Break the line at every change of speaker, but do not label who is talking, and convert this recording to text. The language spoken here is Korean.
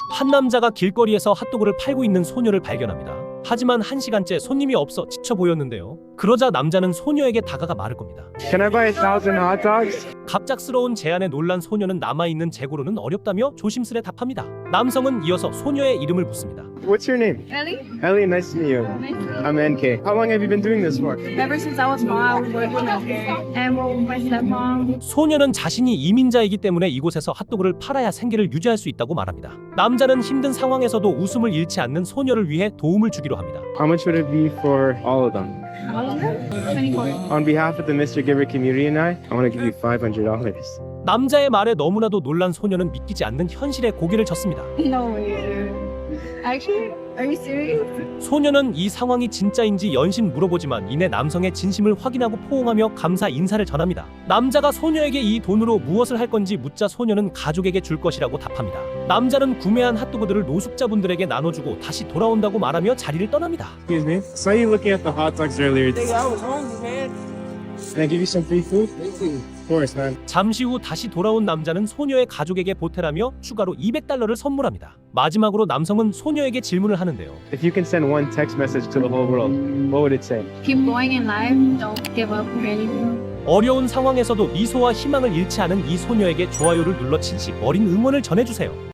한 남자가 길거리에서 핫도그를 팔고 있는 소녀를 발견합니다. 하지만 1시간째 손님이 없어 지쳐 보였는데요. 그러자 남자는 소녀에게 다가가 말을 겁니다.
Can I buy 1,000 hot dogs?
갑작스러운 제안에 놀란 소녀는 남아있는 재고로는 어렵다며 조심스레 답합니다. 남성은 이어서 소녀의 이름을 묻습니다.
What's your name?
Ellie,
Ellie, nice to meet you.
nice to meet
I'm NK. How long have you been doing this for?
you. Ever since I was small, I was working and with my stepmom.
소녀는 자신이 이민자이기 때문에 이곳에서 핫도그를 팔아야 생계를 유지할 수 있다고 말합니다. 남자는 힘든 상황에서도 웃음을 잃지 않는 소녀를 위해 도움을 주기로 합니다.
How much would it be for all of them?
All of them? 24.
On behalf of the Mr. Giver community and I want to give you $500.
남자의 말에 너무나도 놀란 소녀는 믿기지 않는 현실에 고개를 젓습니다.
No way. Actually, are you serious?
소녀는 이 상황이 진짜인지 연신 물어보지만 이내 남성의 진심을 확인하고 포옹하며 감사 인사를 전합니다. 남자가 소녀에게 이 돈으로 무엇을 할 건지 묻자 소녀는 가족에게 줄 것이라고 답합니다. 남자는 구매한 핫도그들을 노숙자분들에게 나눠주고 다시 돌아온다고 말하며 자리를 떠납니다.
Excuse me. Saw you looking at the hot dogs earlier.
I was hungry, man.
Can I give you some free food? Of course, man.
잠시 후 다시 돌아온 남자는 소녀의 가족에게 보태라며 추가로 $200를 선물합니다. 마지막으로 남성은 소녀에게 질문을 하는데요.
If you can send one text message to the whole world, what would it say?
Keep going in life. Don't give up or anything.
어려운 상황에서도 미소와 희망을 잃지 않은 이 소녀에게 좋아요를 눌러 진심 어린 응원을 전해주세요.